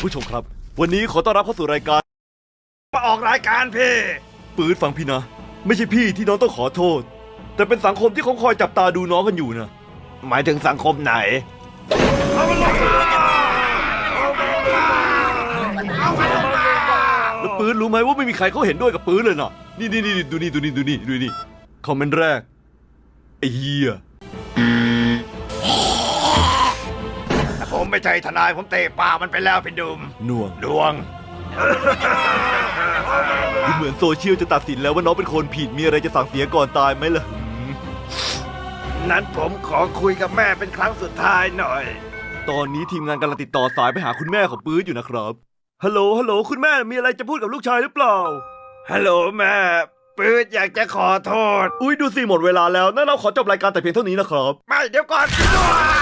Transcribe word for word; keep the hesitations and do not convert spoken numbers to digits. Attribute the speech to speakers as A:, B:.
A: ผู้ชมครับวันนี้ขอต้อนรับเข้าสู่รายการ
B: มาออกรายการพี่
A: ปืนฟังพี่นะไม่ใช่พี่ที่น้องต้องขอโทษแต่เป็นสังคมที่เขาคอยจับตาดูน้องกันอยู่นะ
B: หมายถึงสังคมไหนเอามันลงมาเอามันลงมา
A: แล้วปืนรู้ไหมว่าไม่มีใครเขาเห็นด้วยกับปืนเลยนะนี่นี่นี่ดูนี่ดูนี่ดูนี่ดูนี่คอมเมนต์แรกไอ้เหี้ย
B: ผมไม่ใช่ทนายผมเตะปากมันไปแล้วพี่ดุม
A: หน่วง
B: ดวง
A: ดูเหมือนโซเชียลจะตัดสินแล้วว่าน้องเป็นคนผิดมีอะไรจะสั่งเสียก่อนตายไหมล่ะ
B: นั้นผมขอคุยกับแม่เป็นครั้งสุดท้ายหน่อย
A: ตอนนี้ทีมงานกำลังติดต่อสายไปหาคุณแม่ของปืนอยู่นะครับฮัลโหลฮัลโหลคุณแม่มีอะไรจะพูดกับลูกชายหรือเปล่า
B: ฮัลโหลแม่ปื๊ดอยากจะขอโทษ
A: อุ้ยดูสิหมดเวลาแล้วนั่นเราขอจบรายการแต่เพียงเท่านี้นะครับ
B: ไม่เดี๋ยวก่อน